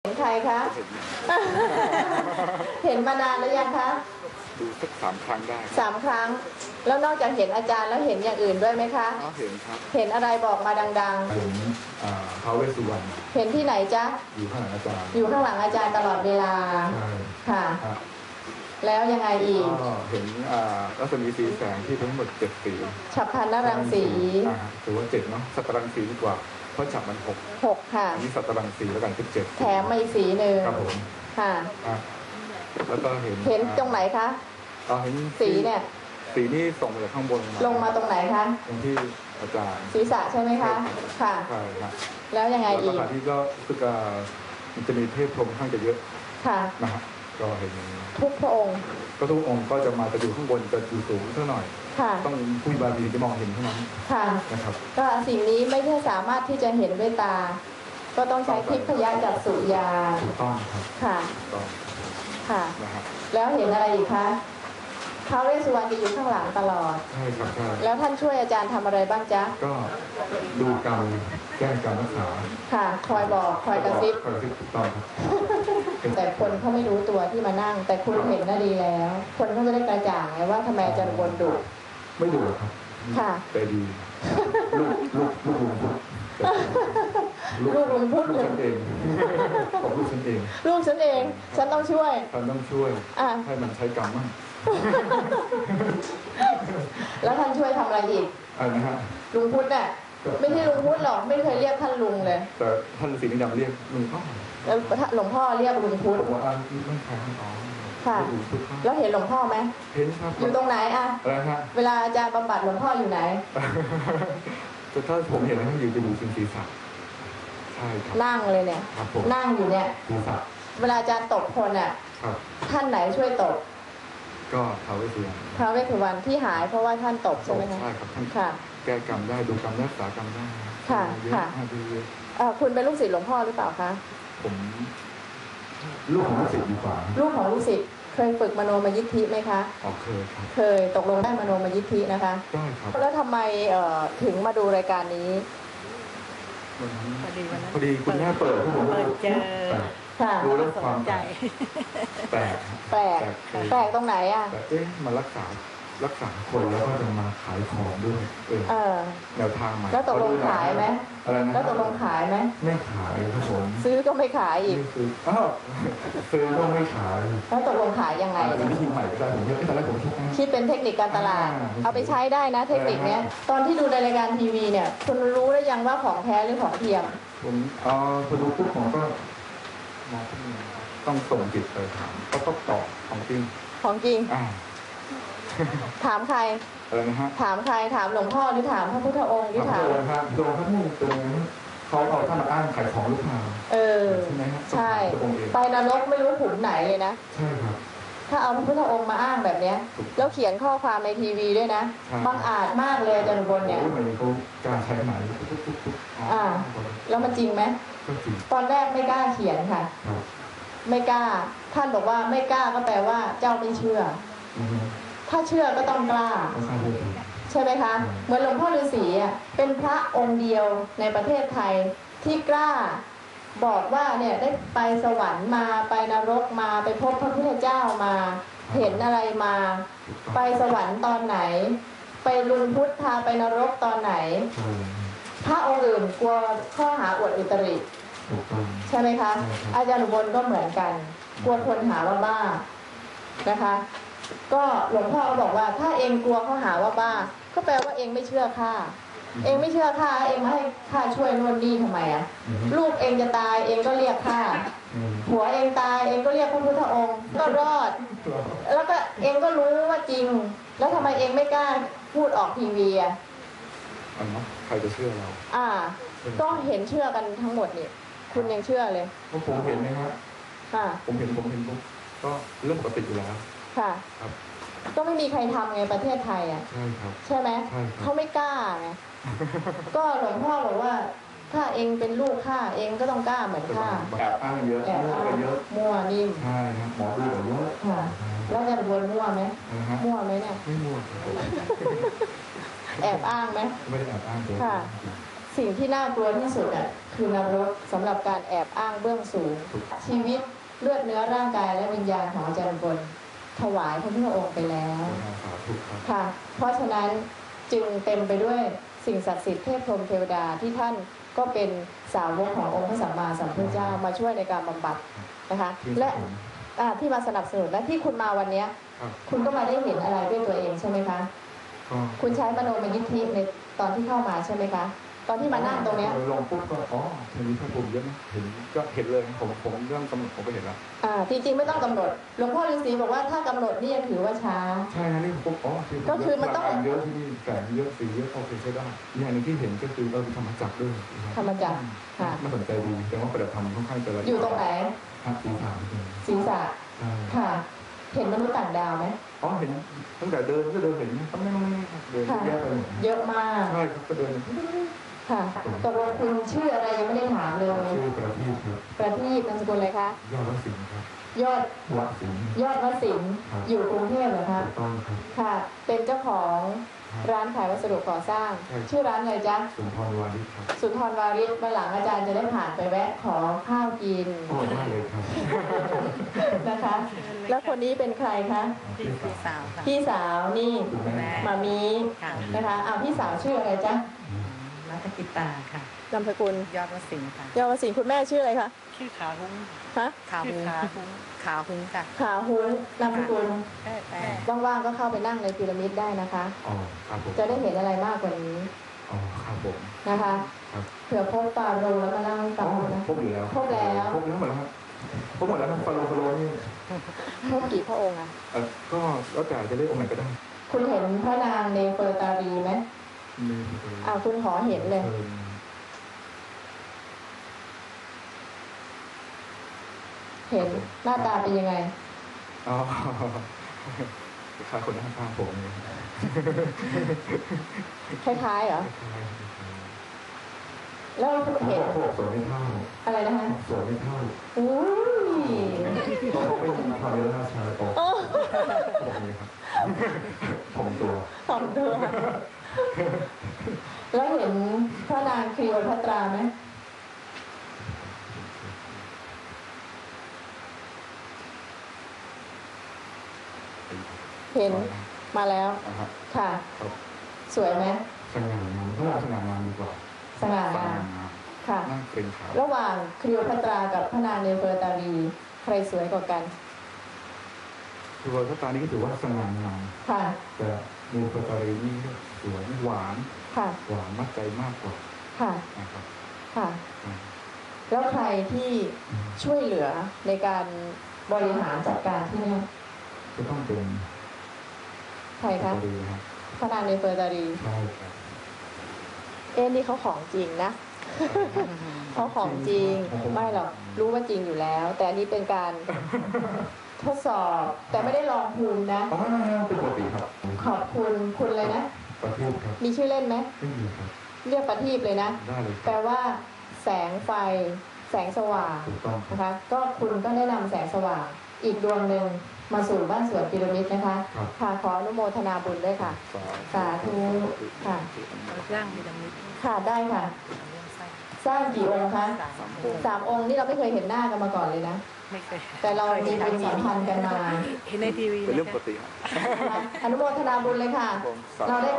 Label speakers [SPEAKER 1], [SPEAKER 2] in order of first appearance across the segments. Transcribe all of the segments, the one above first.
[SPEAKER 1] เห็นใครคะ เห็นมานานแล้วยังคะ
[SPEAKER 2] ดูสัก3 ครั้งได้
[SPEAKER 1] 3 ครั้งแล้วนอกจากเห็นอาจารย์แล้วเห็นอย่างอื่นด้วยไหมคะ
[SPEAKER 2] เห็นครับ
[SPEAKER 1] เห็นอะไรบอกมาดัง
[SPEAKER 3] ๆเห็นท้าวเวสสุวรรณ
[SPEAKER 1] เห็นที่ไหนจ๊ะ
[SPEAKER 3] อยู่ข้างหลังอาจารย์
[SPEAKER 1] อยู่ข้างหลังอาจารย์ตลอดเวลาค่ะแล้วยังไงอีก
[SPEAKER 2] ก็เห็นรัศมีสีแสงที่ทั้งหมด7 สี
[SPEAKER 1] ฉัพพรรณรังสี
[SPEAKER 2] ถือว่า7เนาะสัตรังสีดีกว่าเพราะฉับมัน6
[SPEAKER 1] ค่ะ
[SPEAKER 2] อันนี้สัตรังสีแล้วกันเป็น7
[SPEAKER 1] แถมมาอีกสีหนึ่ง
[SPEAKER 2] ครับผม
[SPEAKER 1] ค่ะ
[SPEAKER 2] แล้วก็เ
[SPEAKER 1] ห็นตรงไหนคะ
[SPEAKER 2] เห็น
[SPEAKER 1] สีเนี่ย
[SPEAKER 2] สีนี่ส่งมาจากข้างบน
[SPEAKER 1] ลงมาตรงไหนคะ
[SPEAKER 2] ตรงที่อาจารย์
[SPEAKER 1] ศีรษะใช่ไหมคะค่ะ
[SPEAKER 2] ใช่ครับ
[SPEAKER 1] แล้วยังไงอีก
[SPEAKER 2] ที่ก็คือมันจะมีเทพพรหมค่อนข้างจะเยอะ
[SPEAKER 1] ค่ะ
[SPEAKER 2] นะฮะก็เห็น
[SPEAKER 1] ทุกพระองค์
[SPEAKER 2] ก็ทุกองค์ก็จะอยู่ข้างบนจะอยู่สูงเท่าหน่อยต้องผู้บารมีจะมองเห็นเท่านั้นนะครับ
[SPEAKER 1] ก็สิ่งนี้ไม่ใช่สามารถที่จะเห็นด้วยตาก็ต้องใช้ทิพยจักษุญาณ
[SPEAKER 2] ถูกต้องครับ
[SPEAKER 1] ค่ะ
[SPEAKER 2] ต้อง
[SPEAKER 1] ค่ะแล้วเห็นอะไรอีกคะท้าวเวสสุวรรณจะอยู่ข้างหลังตลอด
[SPEAKER 2] ใช่ครับใช่
[SPEAKER 1] แล้วท่านช่วยอาจารย์ทำอะไรบ้างจ๊ะ
[SPEAKER 2] ก็ดูกรรมแก้กรรมรักษา
[SPEAKER 1] ค่ะคอยบอกคอยกระซิบ
[SPEAKER 2] ถูกต้อง
[SPEAKER 1] แต่คนเขาไม่รู้ตัวที่มานั่งแต่คุณเห็นน่ะดีแล้วคนเขาจะได้กระจ่างไงว่าทำไมอาจารย์บนดุ
[SPEAKER 2] ไม่ดุครับ
[SPEAKER 1] ค่ะ
[SPEAKER 2] แต่ดีลูกลุงพุทธ
[SPEAKER 1] ลูกลุงพุทธ
[SPEAKER 2] ลูกฉันเองบอกลูกฉันเอง
[SPEAKER 1] ลูกฉันเองฉันต้องช่วย
[SPEAKER 2] ให้มันใช้กรรมมั่ง
[SPEAKER 1] แล้วท่านช่วยทำอะไรอีก
[SPEAKER 2] อะไรนะฮะ
[SPEAKER 1] ลุงพุทธเนี่ยไม่ใช่ลุงพุทธหรอกไม่เคยเรียกท่านลุงเลย
[SPEAKER 2] แต่ท่านฤาษีนิยมเรียกลุงพ่อ
[SPEAKER 1] แล้วหลวงพ่อเรียกลุงพุทธ
[SPEAKER 2] ว่าไม่ใช่อ๋อ
[SPEAKER 1] ค่ะแล้วเห็นหลวงพ่อไหม
[SPEAKER 2] เห็นครับ
[SPEAKER 1] อยู่ตรงไหนอะ
[SPEAKER 2] อะไรฮะ
[SPEAKER 1] เวลาอาจารย์บำบัดหลวงพ่ออยู่ไหน
[SPEAKER 2] แต่ถ้าผมเห็นแล้วอยู่จะอยู่ศีรษะใช่ครับ
[SPEAKER 1] นั่งเลยเนี่ยนั่งอยู่เนี่ย
[SPEAKER 2] ศีรษะ
[SPEAKER 1] เวลาอาจารย์ตบคนอ่ะท่านไหนช่วยตบ
[SPEAKER 2] ก็ท้าวเวสสุวรรณ
[SPEAKER 1] ท้าวเวสสุวรรณที่หายเพราะว่าท่านตบใช่ไหมคะ
[SPEAKER 2] ใช่ครับท่านแก้กรรมได้ดูกรรมรักษากรรมได้
[SPEAKER 1] ค่ะค่ะคุณเป็นลูกศิษย์หลวงพ่อหรือเปล่าคะ
[SPEAKER 2] ผมลูกของลูกศิษย์ดีกว่า
[SPEAKER 1] ลูกของลูกศิษย์เคยฝึกมโนมยิทธิไหมคะ
[SPEAKER 2] เคยครับ
[SPEAKER 1] เคยตกลงได้มโนมยิทธินะคะ
[SPEAKER 2] ได้ครับ
[SPEAKER 1] แล้วทำไมถึงมาดูรายการนี้
[SPEAKER 2] พอดีคุณแม่เปิดให้ผม
[SPEAKER 4] เจอ
[SPEAKER 2] ดูเรื่องความใจแป
[SPEAKER 1] ลกตรงไหนอ่ะ
[SPEAKER 2] แต่มารักษาคนแล้วก็จะมาขายของด้วยแนวทางใหม่
[SPEAKER 1] แล้วตกลงขายไหมแล้วตกลงขายไหม
[SPEAKER 2] ไม่ขายครับผม
[SPEAKER 1] ซื้อก็ไม่ขายอีก
[SPEAKER 2] ซื้อก็ไม่ขาย
[SPEAKER 1] แล้วตกลงขายยังไง
[SPEAKER 2] เป็นวิธีใหม่ก็ได้ผมตอนแรกผม
[SPEAKER 1] คิดเป็นเทคนิคการตลาดเอาไปใช้ได้นะเทคนิคเนี้ยตอนที่ดูในรายการทีวีเนี่ยคุณรู้ได้ยังว่าของแท้หรือของเทียม
[SPEAKER 2] ผมพอดูปุ๊บผมก็มองต้องส่งจิตไปถามก็ต้องตอบของจริง
[SPEAKER 1] ถามใคร
[SPEAKER 2] อะไรนะฮะ
[SPEAKER 1] ถามใครถามหลวงพ่อหรือถามพระพุทธองค์หรือถาม
[SPEAKER 2] โดนเขาพูดตรงเขาเอาท่านมาอ้างขายของลูกค้าใช่ไหมฮะ
[SPEAKER 1] ใช่ไปนรกไม่รู้ขุมไหนเลยนะ
[SPEAKER 2] ใช่ครับ
[SPEAKER 1] ถ้าเอาพระพุทธองค์มาอ้างแบบเนี้ยแล้วเขียนข้อความในทีวีด้วยนะบังอาจมากเลยอาจารย์บนเนี่ย
[SPEAKER 2] เขาการใช้ไหน
[SPEAKER 1] แล้วมันจริงไหมตอนแรกไม่กล้าเขียนค่ะไม่กล้าท่านบอกว่าไม่กล้าก็แปลว่าเจ้าไม่เชื่อถ้าเชื่อก็ต้องกล้าใช่ไหมคะเหมือนหลวงพ่อฤาษีเป็นพระองค์เดียวในประเทศไทยที่กล้าบอกว่าเนี่ยได้ไปสวรรค์มาไปนรกมาไปพบพระพุทธเจ้ามาเห็นอะไรมาไปสวรรค์ตอนไหนไปลุงพุทธพาไปนรกตอนไหนพระองค์อื่นกลัวข้อหาอวดอุตริใช่ไหมคะอาจารย์อุบลก็เหมือนกันกลัวคนหาว่าบ้านะคะก็หลวงพ่อบอกว่าถ้าเองกลัวเขาหาว่าบ้าก็แปลว่าเองไม่เชื่อข้าเองไม่เชื่อข้าเองมาให้ข้าช่วยนวดนี่ทำไมลูกเองจะตายเองก็เรียกข้าผัวเองตายเองก็เรียกพระพุทธองค์ก็รอดแล้วก็เองก็รู้ว่าจริงแล้วทำไมเองไม่กล้าพูดออกทีวี
[SPEAKER 2] ใครจะเชื่อเรา
[SPEAKER 1] ก็เห็นเชื่อกันทั้งหมดนี่คุณยังเชื่อเลย
[SPEAKER 2] ผมเห็นไหมครับผมเห็นปุ๊บก็เรื่องปกติอยู่แล้ว
[SPEAKER 1] ค่ะครับก็ไม่มีใครทำไงประเทศไทย
[SPEAKER 2] ใช่ครับ
[SPEAKER 1] ใช่ไหมเขาไม่กล้าไงก็หลวงพ่อบอกว่าถ้าเองเป็นลูกข้าเองก็ต้องกล้าเหมือนข้า
[SPEAKER 2] แอบอ้างเยอะ
[SPEAKER 1] มั่วนิ่ม
[SPEAKER 2] ใช่ครับหมอดูเยอะ
[SPEAKER 1] แล้วจะบนมั่วไหมมั่วไหมเนี่ย
[SPEAKER 2] ไม่มั่ว
[SPEAKER 1] แอบอ้างไหม
[SPEAKER 2] ไม่ได้แอบอ้างเลย
[SPEAKER 1] ค่ะสิ่งที่น่ากลัวที่สุดอ่ะคือนรกสำหรับการแอบอ้างเบื้องสูง ชีวิตเลือดเนื้อร่างกายและวิญญาณของอาจารย์บนถวายพระพุทธองค์ไปแล้วค่ะ เพราะฉะนั้นจึงเต็มไปด้วยสิ่งศักดิ์สิทธิ์เทพพรหมเทวดาที่ท่านก็เป็นสาวกขององค์พระสัมมาสัมพุทธเจ้ามาช่วยในการบำบัดนะคะและที่มาสนับสนุนและที่คุณมาวันนี้คุณก็มาได้เห็นอะไรด้วยตัวเองใช่ไหมคะคุณใช้มโนมยิทธิในตอนที่เข้ามาใช่ไหมคะตอนที่มานั่งตรงเนี้ย
[SPEAKER 2] ลงปุ๊บก็มีพระพรหมเยอะนะก็เห็นเลยผมเรื่องกำหนดผมก็เห็นแล้ว
[SPEAKER 1] จริงๆไม่ต้องกำหนดหลวงพ่อฤาษีบอกว่าถ้ากำหนดนี่ยังถือว่าช้า
[SPEAKER 2] ใช่นะนี่ผม
[SPEAKER 1] ก็คือมันต้อง
[SPEAKER 2] เยอะที่นี่แสงเยอะสีเยอะโอเคใช้ได้อย่างนึงที่เห็นก็คือธรรมจักรด้วย
[SPEAKER 1] ธรรมจักรค่ะ
[SPEAKER 2] น่าสนใจดีแต่ว่าปฏิบัติธรรมค่อนข้างจะ
[SPEAKER 1] อยู่ตรงไหนศีรษะค่ะเห็นมนุษย์ต่างดาวไหม
[SPEAKER 2] เห็นตั้งแต่เดินก็เดินเห็นต้องไม่เดินเยอะเลย
[SPEAKER 1] เยอะมาก
[SPEAKER 2] ใช่ครับก็เดิน
[SPEAKER 1] ค่ะตกลงคุณชื่ออะไรยังไม่ได้ถามเลย
[SPEAKER 2] ชื่อประทีปครับ
[SPEAKER 1] ประทีปนามสกุลอะไรคะ
[SPEAKER 2] ยอดวสินครับ
[SPEAKER 1] ยอด
[SPEAKER 2] วสิน
[SPEAKER 1] อยู่กรุงเทพเหรอคะ
[SPEAKER 2] ต้องครับ
[SPEAKER 1] ค่ะเป็นเจ้าของร้านขายวัสดุก่อสร้างชื่อร้านอะไรจ๊ะ
[SPEAKER 2] สุนทรวาริศครับ
[SPEAKER 1] สุนทรวาริศมาหลังอาจารย์จะได้ผ่านไปแวะขอข้าวกิน
[SPEAKER 2] ได้เลยครับ
[SPEAKER 1] นะคะแล้วคนนี้เป็นใครคะ
[SPEAKER 4] พี่สาวค่ะ
[SPEAKER 1] พี่สาวนี่มามีนะคะพี่สาวชื่ออะไรจ๊ะ
[SPEAKER 4] รัตกิตาค่ะ
[SPEAKER 1] นามสกุล
[SPEAKER 4] ยอดวสินค่ะ
[SPEAKER 1] ยอดวสินคุณแม่ชื่ออะไรคะ
[SPEAKER 4] ชื่อขาหุ้ง
[SPEAKER 1] ฮะ
[SPEAKER 4] ขาหุ้งค่ะ
[SPEAKER 1] ขาหุ้งนามสกุลว่างๆก็เข้าไปนั่งในพีระมิดได้นะคะจะได้เห็นอะไรมากกว่านี้
[SPEAKER 2] ครับผม
[SPEAKER 1] นะคะเผื่อพบฟาโรห์แล้วมาเล่าให้ฟังนะ
[SPEAKER 2] พบแล้วหมดแล้วครับพบหมดแล้วครับฟาโรห์นี่
[SPEAKER 1] พบกี่พระองค์อ่ะ
[SPEAKER 2] ก็แล้วแต่จะเรียกองค์ไหนก็ได้
[SPEAKER 1] คุณเห็นพระนางเนเฟอร์ตารีไหมคุณขอเห็นเลยเห็นหน้าตาเป็นยังไง
[SPEAKER 2] คล้ายคนข้างๆผมเลย
[SPEAKER 1] คล้ายๆเหรอแล้วเห็น
[SPEAKER 2] สวยไม่เท่า
[SPEAKER 1] อะไรนะคะ
[SPEAKER 2] สวยไม่เท่า
[SPEAKER 1] อุ้ย
[SPEAKER 2] เขาไม่มีความเยอะราชาโตแบบนี้ครับผมตัว
[SPEAKER 1] แล้วเห็นพระนางคลีโอพัตราไหมเห็นมาแล้วค่ะสวยไหม
[SPEAKER 2] สง่างามต้องสง่างามดีกว่า
[SPEAKER 1] สง่างามค่ะระหว่างคลีโอพัตรากับพระนางเนเฟอร์ตารีใครสวยกว่ากัน
[SPEAKER 2] คลีโอพัตรานี่ก็ถือว่าสง่างาม
[SPEAKER 1] ค่ะ
[SPEAKER 2] แต่เนเฟอร์ตารีนี่สวยหวานหวานมัดใจมากกว่า
[SPEAKER 1] ค่ะ
[SPEAKER 2] นะครับ
[SPEAKER 1] ค่ะแล้วใครที่ช่วยเหลือในการบริหารจัดการที่นี่
[SPEAKER 2] ก็ต้องเป็น
[SPEAKER 1] ใครคะพระนางเนเฟอร์ตารี
[SPEAKER 2] ใช่ครับ
[SPEAKER 1] นี่เขาของจริงนะเขาของจริงไม่หรอกรู้ว่าจริงอยู่แล้วแต่อันนี้เป็นการทดสอบแต่ไม่ได้ลองภูมินะ
[SPEAKER 2] เป็นปกติครับ
[SPEAKER 1] ขอบคุณเลยนะ
[SPEAKER 2] ประทีปครับ
[SPEAKER 1] มีชื่อเล่นไหม
[SPEAKER 2] ไม่มีครับ
[SPEAKER 1] เรียกประทีปเลยนะ
[SPEAKER 2] ได้เลย
[SPEAKER 1] แปลว่าแสงไฟแสงสว่างนะคะก็คุณก็ได้นำแสงสว่างอีกดวงหนึ่งมาสู่บ้านสวนพีระมิดนะคะค่ะขออนุโมทนาบุญด้วยค่ะสาธุค่ะ
[SPEAKER 4] สร้างพีระมิด
[SPEAKER 1] ค่ะได้ค่ะสร้างกี่องค์คะ3 องค์นี่เราไม่เคยเห็นหน้ากันมาก่อนเลยนะ
[SPEAKER 4] ไม่เคย
[SPEAKER 1] แต่เรามีบุญสัมพันธ์กันมา
[SPEAKER 4] เห็นในทีวี
[SPEAKER 2] เป็นเรื่องปกติ
[SPEAKER 1] อนุโมทนาบุญเลยค่ะเราได้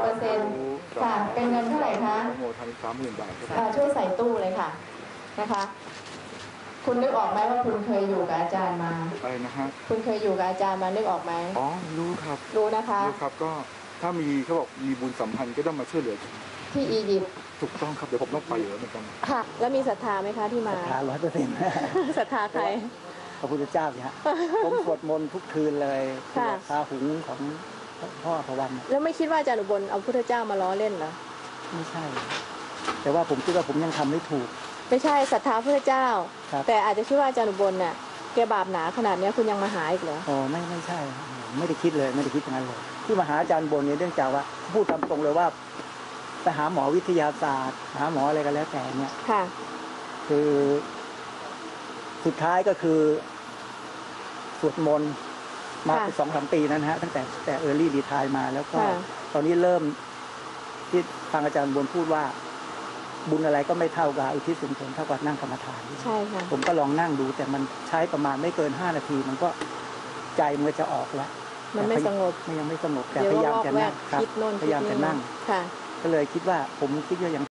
[SPEAKER 1] 90%ค่ะเป็นเงินเท่าไหร่คะ
[SPEAKER 2] อนุโมทนา30,000 บาท
[SPEAKER 1] ช่วยใส่ตู้เลยค่ะนะคะคุณนึกออกไหมว่าคุณเคยอยู่กับอาจารย์มา
[SPEAKER 2] อะไรนะฮะ
[SPEAKER 1] คุณเคยอยู่กับอาจารย์มานึกออกไหม
[SPEAKER 2] รู้ครับ
[SPEAKER 1] รู้นะคะ
[SPEAKER 2] รู้ครับก็ถ้ามีเขาบอกมีบุญสัมพันธ์ก็ต้องมาช่วยเหลือ
[SPEAKER 1] ที่อียิปต์
[SPEAKER 2] ถูกต้องครับเดี๋ยวผมต้องไปอยู่แล้วเหมือนกัน
[SPEAKER 1] ค่ะแล้วมีศรัทธาไหมคะที่มา
[SPEAKER 5] ศรัทธา100%
[SPEAKER 1] ศรัทธาใคร
[SPEAKER 5] พระพุทธเจ้าเนี่ยผมสวดมนต์ทุกคืนเลยพาหุงของพ่อพระวัน
[SPEAKER 1] แล้วไม่คิดว่าอาจารย์อุบลเอาพุทธเจ้ามาล้อเล่นเหรอ
[SPEAKER 5] ไม่ใช่แต่ว่าผมคิดว่าผมยังทำไม่ถูก
[SPEAKER 1] ไม่ใช่ศรัทธาพระเจ้าแต่อาจจะคิดว่าอาจารย์อุบลเนี่ยแกบาปหนาขนาดนี้คุณยังมาหาอีกเหรอ
[SPEAKER 5] ไม่ใช่ไม่ได้คิดเลยไม่ได้คิดอย่างนั้นเลยที่มาหาอาจารย์อุบลเนี่ยเนื่องจากว่าพูดตามตรงเลยว่าไปหาหมอวิทยาศาสตร์หาหมออะไรกันแล้วแต่เนี่ยคือสุดท้ายก็คือสวดมนต์มาเป็น2-3 ปีนั้นฮะตั้งแต่เออร์ลี่รีไทร์มาแล้วก็ตอนนี้เริ่มที่ฟังอาจารย์บนพูดว่าบุญอะไรก็ไม่เท่ากับอุทิศส่วนผลเท่ากับนั่งกรรมฐาน
[SPEAKER 6] ใช่ค่ะ
[SPEAKER 5] ผมก็ลองนั่งดูแต่มันใช้ประมาณไม่เกิน5 นาที มันก็ใจมันจะออกแล้ว
[SPEAKER 6] มันไม่สงบ
[SPEAKER 5] มันยังไม่สงบแต่
[SPEAKER 6] เดี๋ยว
[SPEAKER 5] พยายาม
[SPEAKER 6] วอก
[SPEAKER 5] จะ
[SPEAKER 6] แว
[SPEAKER 5] นั่
[SPEAKER 6] ก
[SPEAKER 5] งครับ
[SPEAKER 6] คิดโน่น
[SPEAKER 5] พยายามจะนั่ง
[SPEAKER 6] ค่ะ
[SPEAKER 5] ก็เลยคิดว่าผมคิดว่ายัง